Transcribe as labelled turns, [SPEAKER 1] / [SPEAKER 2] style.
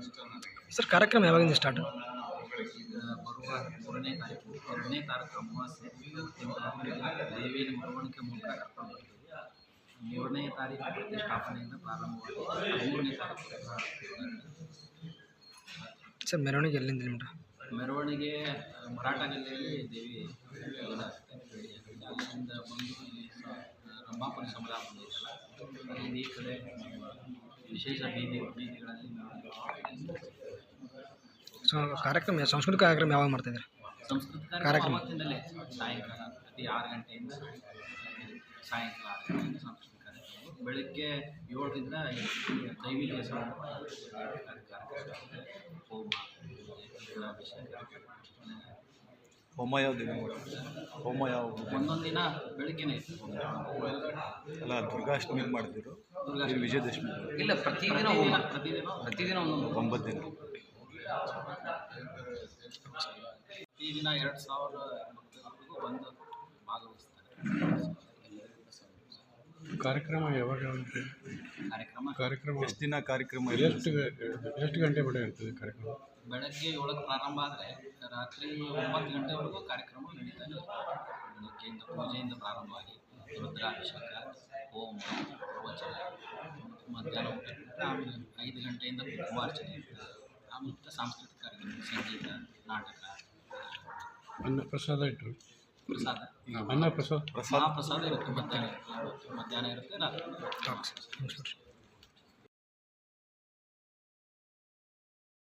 [SPEAKER 1] Sir ಕಾರ್ಯಕ್ರಮ ಯಾವಾಗಿಂದ start?
[SPEAKER 2] ಬರುವ 3ನೇ ತಾರೀಕು ಅಮಾವಾಸ್ಯೆ ದೇವಿಯ ಮೆರವಣಿಗೆ ಮೂಲಕ ಕರ್ಕೊಂಡು ಬರ್ತೀವಿ. 3ನೇ ತಾರೀಕು ಪ್ರತಿಷ್ಠಾಪನೆಯಿಂದ ಪ್ರಾರಂಭವಾಗಿ 13ನೇ ತಾರೀಕು.
[SPEAKER 1] ಸರ್ ಮೆರವಣಿಗೆ ಎಲ್ಲಿಂದ ನಿಮ್ದು?
[SPEAKER 2] ಮೆರವಣಿಗೆ ಮರಾಠ ಜಿಲ್ಲೆಯಲ್ಲಿ ದೇವಿ ಇದಾಗುತ್ತೆ. ಅಲ್ಲಿಂದ ಬಂದು ಇಲ್ಲಿ ರಂಭಾಪುರಿ ಸಮುದಾಯ ಬಂದಿದ್ದಲ್ಲ, ಅಲ್ಲಿ ಈ ಕಡೆ ವಿಶೇಷ ಬೀದಿಗಳಲ್ಲಿ
[SPEAKER 1] ಸೊ ಕಾರ್ಯಕ್ರಮ ಸಾಂಸ್ಕೃತಿಕ ಕಾರ್ಯಕ್ರಮ ಯಾವಾಗ ಮಾಡ್ತಾಯಿದ್ದಾರೆ?
[SPEAKER 2] ಸಂಸ್ಕೃತ ಕಾರ್ಯಕ್ರಮ ಅವತ್ತಿಂದಲೇ ಸಾಯಂಕಾಲ ಪ್ರತಿ 6 ಗಂಟೆಯಿಂದ ಸಾಯಂಕಾಲ 6 ಗಂಟೆಯಿಂದ ಸಾಂಸ್ಕೃತಿಕ ಕಾರ್ಯಕ್ರಮ. ಬೆಳಗ್ಗೆ 7ರಿಂದ ದೈವಿಕ
[SPEAKER 3] ಹೋಮ ಯಾವ ದಿನ? ಹೋಮ ಯಾವ
[SPEAKER 2] ಒಂದೊಂದು ದಿನ ಬೆಳಗ್ಗೆನೇ ಇತ್ತು.
[SPEAKER 3] ಅಲ್ಲ, ದುರ್ಗಾಷ್ಟಮಿ ಮಾಡ್ತಿದ್ರು, ವಿಜಯದಶಮಿ
[SPEAKER 2] ಇಲ್ಲ, ಪ್ರತಿದಿನ ಒಂದೊಂದು
[SPEAKER 3] 9 ದಿನ.
[SPEAKER 2] ಪ್ರತಿದಿನ 2000 ಭಕ್ತರಿಗೂ ಬಂದು ಭಾಗವಹಿಸ್ತಾರೆ.
[SPEAKER 4] ಕಾರ್ಯಕ್ರಮ ಯಾವಾಗ? ಕಾರ್ಯಕ್ರಮ
[SPEAKER 3] ಎಷ್ಟು ದಿನ ಕಾರ್ಯಕ್ರಮ?
[SPEAKER 4] ಎಷ್ಟು ಗಂಟೆ ಬಡ ಇರ್ತದೆ ಕಾರ್ಯಕ್ರಮ?
[SPEAKER 2] ಬೆಳಗ್ಗೆ 7ಕ್ಕೆ ಪ್ರಾರಂಭ ಆದರೆ ರಾತ್ರಿ 9 ಗಂಟೆವರೆಗೂ ಕಾರ್ಯಕ್ರಮ ನಡೀತಾ ಇದೆ. ಬೆಳಗ್ಗೆಯಿಂದ ಪೂಜೆಯಿಂದ ಪ್ರಾರಂಭವಾಗಿ ರುದ್ರಾಭಿಷೇಕ, ಹೋಮ, ಪ್ರವಚನ, ಮಧ್ಯಾಹ್ನ ಊಟ, ಆಮೇಲೆ 5 ಗಂಟೆಯಿಂದ ಕುಂಕುಮಾರ್ಚನೆ ಇರ್ತದೆ. ಆಮೇಲೆ ಸಾಂಸ್ಕೃತಿಕ ಕಾರ್ಯಕ್ರಮ, ಸಂಗೀತ, ನಾಟಕ,
[SPEAKER 4] ಅನ್ನಪ್ರಸಾದ ಇಟ್ಟರು.
[SPEAKER 2] ಪ್ರಸಾದ,
[SPEAKER 4] ಅನ್ನಪ್ರಸಾದ
[SPEAKER 2] ಮಹಾಪ್ರಸಾದ ಇರುತ್ತೆ. ಮಧ್ಯಾಹ್ನ ಇರುತ್ತೆ, ರಾತ್ರಿ.